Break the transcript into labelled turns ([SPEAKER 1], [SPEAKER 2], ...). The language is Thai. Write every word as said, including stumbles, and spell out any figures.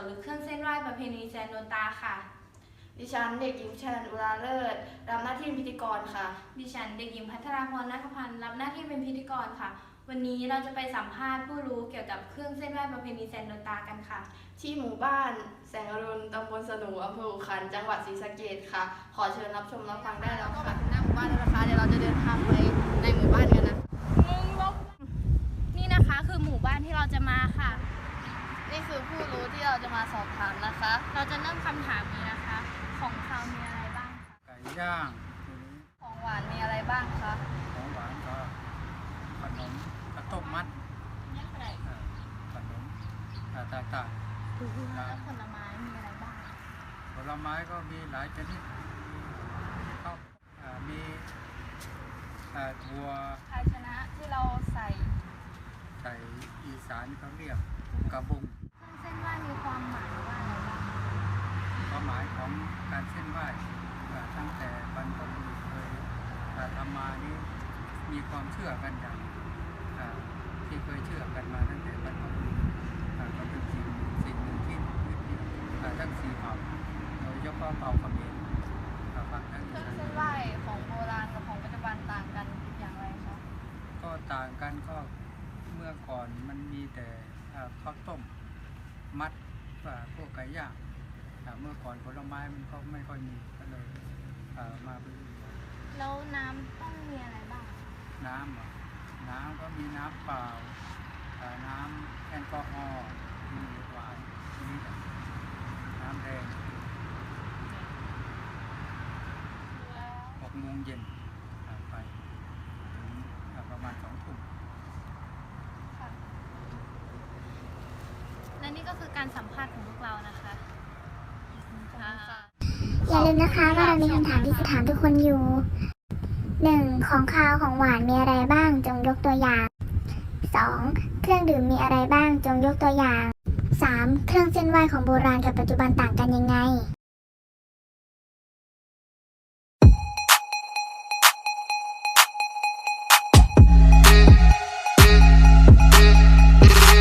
[SPEAKER 1] หรือเครื่องเส้นไหว้ประเพณีแซนโนตาค่ะ
[SPEAKER 2] ดิฉันเด็กหญิงชนันอุราเลิศรับหน้าที่พิธีกรค่ะ
[SPEAKER 1] ดิฉันเด็กหญิงพัทราพรนาคพันธ์รับหน้าที่เป็นพิธีกรค่ะวันนี้เราจะไปสัมภาษณ์ผู้รู้เกี่ยวกับเครื่องเส้นไหว้ประเพณีแซนโนตากันค่ะ
[SPEAKER 2] ที่หมู่บ้านแสงอรุณตำบลสนูอำเภออุคันจังหวัดศรีสะเกษค่ะขอเชิญรับชมรับฟังได้แล้วค่ะหน้าหมู่บ้านแล้วนะคะเดี๋ยวเราจะเดินทางไปในหมู่บ้านกันนะ
[SPEAKER 1] มึงลบนี่นะคะคือหมู่บ้านที่เราจะมาค่ะ
[SPEAKER 2] นี่คือผู้รู้ที่เราจะมาสอบถามนะคะ
[SPEAKER 1] เราจะเริ่มคำถามนี้นะคะ ของเขามีอะไรบ้างคะ
[SPEAKER 3] ไก่ย่างทีนี้
[SPEAKER 2] ของหวานมีอะไรบ้างคะ
[SPEAKER 3] ของหวานก็ขนมข้าวต้มมัดเอ่อขนมอ่าต่างๆ
[SPEAKER 1] แล้วผลไม้มีอะไรบ้าง
[SPEAKER 3] ผลไม้ก็มีหลายชนิดข้าวอ่ามีอ่าถั่ว
[SPEAKER 2] ภาชนะที่เราใส่
[SPEAKER 3] ใส่อีสานเขาเรียกกระบุง
[SPEAKER 1] เครื่องเส้นไหว้มีความหมายว่าอะไรบ้าง
[SPEAKER 3] ความหมายของการเส้นไหว้อ่าตั้งแต่บรรพบุรุษเคยอ่าทำมานี้มีความเชื่อกันอย่างอ่าที่เคยเชื่อกันมาตั้งแต่บรรพบุรุษอ่าก็เป็นสิ่งสิ่งหนึ่งที่ยึดเหนี่ยวอ่าทั้งสี่เผ่าโดยเฉพาะเผ่าเขมรอ่าฝั่งทั้ง
[SPEAKER 2] เค
[SPEAKER 3] อี
[SPEAKER 2] รื่อง
[SPEAKER 3] สาน
[SPEAKER 2] เส้นไหว้ของโบราณกับของปัจจุบันต่างกันอย่างไรคะ
[SPEAKER 3] ก็ต่างกันก็เมื่อก่อนมันมีแต่อ่าข้าวต้มมัดว่าพวกไก่ย่างอ่าเมื่อก่อนผลไม้มันก็ไม่ค่อยมีก็เลยอ่ามาเป็น
[SPEAKER 1] แล้วน้ำต้องมีอะไรบ้าง
[SPEAKER 3] น้ำเหรอน้ำก็มีน้ำเปล่าอ่าน้ำแอลกอฮอล์มีไวน์มีน้ำแดงหกโมงเย็นอ่าไปถึงอ่าประมาณสองทุ่ม
[SPEAKER 1] และนี่ก็คือการสัมภาษณ์ของพวกเรานะคะค่ะ
[SPEAKER 4] อย่าลืมนะคะว่าเรามีคำถามที่จะถามทุกคนอยู่ หนึ่ง ของคาวของหวานมีอะไรบ้างจงยกตัวอย่าง สอง เครื่องดื่มมีอะไรบ้างจงยกตัวอย่าง สาม เครื่องเส้นไหว้ของโบราณกับปัจจุบันต่างกันยังไง